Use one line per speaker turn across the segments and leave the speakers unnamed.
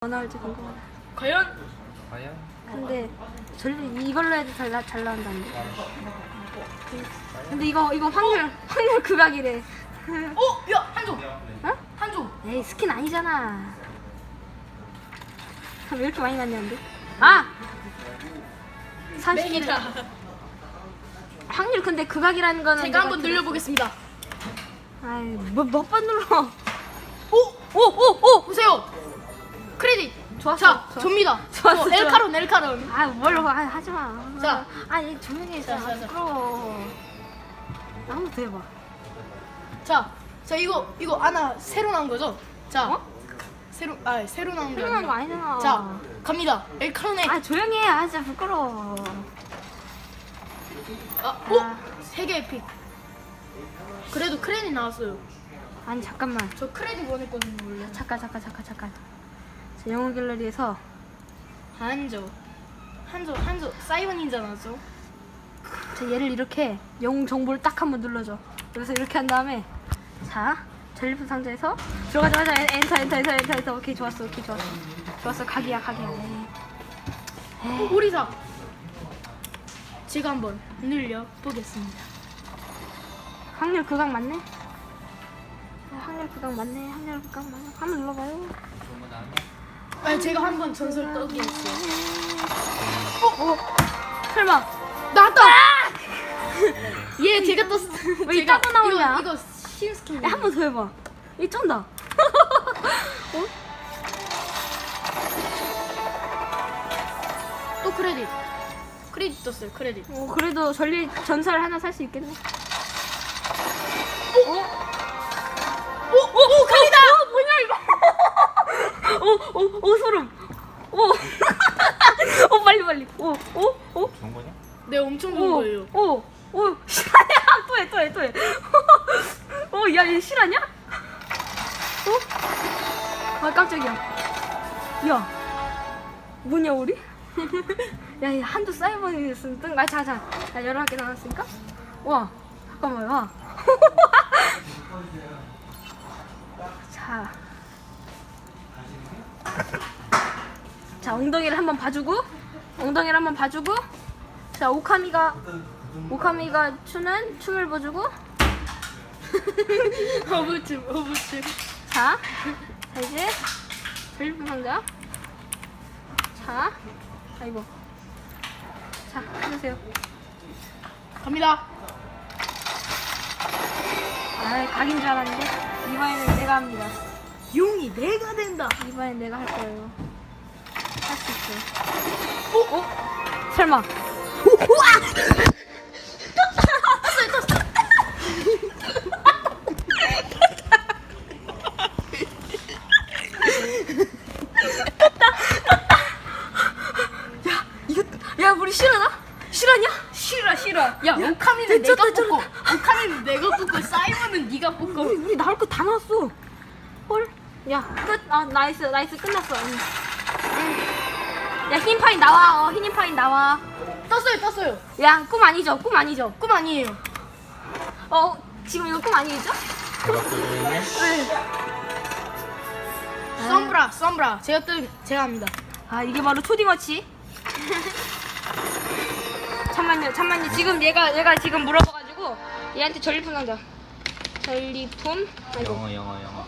나올지 궁금하다.
과연?
근데 이걸로 해도 잘 나온다는데. 근데 이거 확률 극악이래.
야 한조.
어?
한조.
에이 스킨 아니잖아. 왜 이렇게 많이 났냐는데? 아! 30. 확률 근데 극악이라는 거는
제가 한번 늘려보겠습니다.
아이 몇 번 눌러?
오 보세요. 크레딧.
좋았어.
자,
좋았어.
접니다.
좋았어,
엘카론.
아 뭘로 하지 마.
자.
아니 조용히 있어.
자.
부끄러워. 한번 더 해봐.
자 이거 하나 새로 나온 거죠? 자.
어?
새로 나온 게
필요한 거
아니라.
아니잖아.
자, 갑니다. 엘카론의
아 조용히 해. 아 진짜 부끄러워.
세계 에픽. 그래도 크레딧 나왔어요.
아니 잠깐만.
저 크레딧 원했거든요, 원래.
잠깐. 자, 영웅 갤러리에서
한조 사이버 닌자 나왔죠?
자, 얘를 이렇게 영웅 정보를 딱 한번 눌러줘. 그래서 이렇게 한 다음에 자 전리품 상자에서 들어가자마자 엔터. 오케이 좋았어. 각이야. 에이.
오리사. 제가 한번 늘려 보겠습니다.
확률 극악 맞네. 확률 극악 맞네. 한번 눌러봐요.
제가 한번 전설 떠기 했어요.
설마
나왔다! 예, 제가 떴어.
왜 따고 나오냐?
이거 신스킨.
한 번 더 해봐. 이 쩐다.
또 크레딧 떴어요. 크레딧.
그래도 전설 하나 살 수 있겠네.
크레딧!
뭐냐 이거? 소름. 빨리.
좋은 거냐?
네, 엄청 좋은 거예요.
실화냐? 또 해. 야, 얘 실화냐? 아, 깜짝이야. 야, 뭐냐, 우리? 야, 한두 사이버니스 뜬. 자, 11개 나왔으니까? 와, 잠깐만, 와. 자, 엉덩이를 한번 봐주고, 자, 오카미가 춤을 보여주고,
허브춤.
자, 이제 전리품 상자. 자, 아이고. 자, 해주세요.
갑니다.
아, 각인 줄 알았는데 이번에는 내가 합니다.
용이 내가 된다.
이번엔 내가 할 거예요. 할 수 있어요. 설마. 야, 우리 실화냐?
싫어. 야, 오카미는 내가 뽑고 사이버는 네가 뽑고.
우리 나올 거 다 나왔어. 헐. 야, 끝. 나이스 끝났어. 야, 흰 파인 나와. 흰 파인 나와.
떴어요.
야, 꿈 아니죠?
꿈 아니에요.
지금 이거 꿈 아니죠? 네.
썸브라. 제가 합니다.
아, 이게 바로 초딩어치. 잠만요. 지금 얘가 지금 물어봐가지고 얘한테 전리품 상자. 전리품. 아이고.
영어.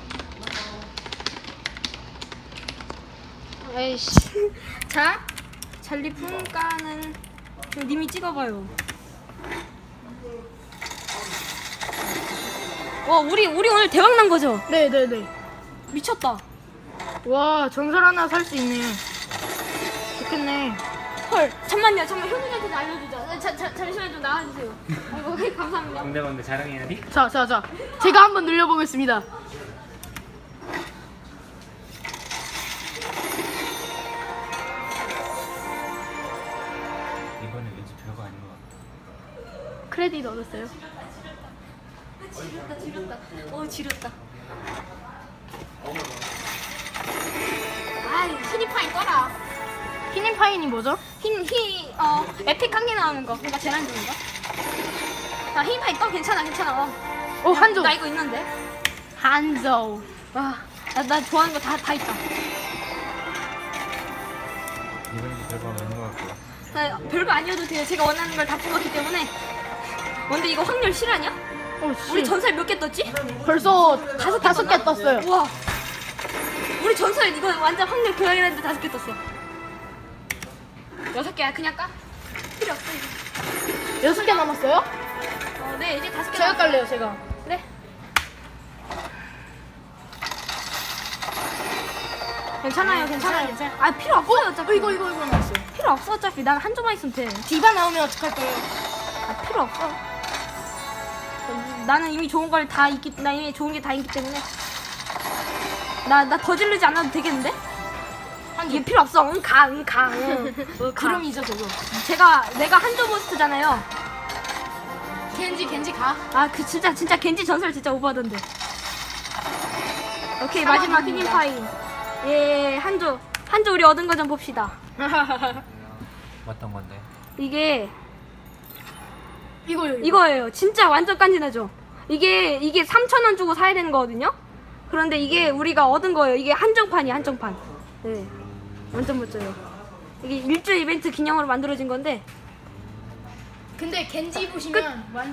아이씨. 자, 전리품 까는 님이 찍어봐요. 우리 오늘 대박 난 거죠?
네.
미쳤다.
와, 전설 하나 살 수 있네요. 좋겠네.
헐, 잠만요. 효준이한테 알려주자. 잠시만 좀 나와주세요. 아이고, 감사합니다.
근데 자랑해야 돼?
자. 제가 한번 늘려보겠습니다.
이번에 왠지 별거 아닌 것 같아.
크레딧 얻었어요.
지렸다. 지렸다. 아이, 히니파인 꺼라.
히닝파인이 뭐죠?
에픽 한 개 나오는 거. 그러니까 제일 안 좋은 거. 자, 히니파인 꺼. 괜찮아.
한조.
나 이거 있는데.
한조.
와, 나 좋아하는 거 다 있다.
이런 별거 없는 것 같고.
아, 별거 아니어도 돼요. 제가 원하는 걸 다 뽑았기 때문에. 근데 이거 확률 실화냐? 우리 전설 몇 개 떴지?
벌써 다섯 개 떴어요.
우와. 우리 전설 이거 완전 확률 고양이라는데 5개 떴어. 6개야. 그냥 까? 필요 없어 이거.
6개 남았어요?
네 이제 5개.
제가 깔래요, 제가.
그래. 괜찮아요. 아 필요 없어요 어차피.
이거 남았어요.
필요 없어 어차피. 난 한 조만 있으면 돼.
디바 나오면 어떡할 거예요?
아 필요 없어. 나는 이미 좋은 걸 다 있기, 나 이미 좋은 게 다 있기 때문에 나 더 지르지 않아도 되겠는데? 이게 필요 없어. 응 가.
그럼이죠, 저거.
내가 한조 모스트잖아요.
겐지 가.
아 그 진짜 겐지 전설 진짜 오버하던데. 오케이 마지막 휘닝파인. 예 한조 우리 얻은 거 좀 봅시다.
어떤 건데?
이게
이거요.
이거예요. 진짜 완전 깐지나죠. 이게 3,000원 주고 사야 되는 거거든요. 그런데 이게 우리가 얻은 거예요. 이게 한정판이야 한정판. 네 완전 멋져요. 이게 일주일 이벤트 기념으로 만들어진 건데
근데 겐지 보시면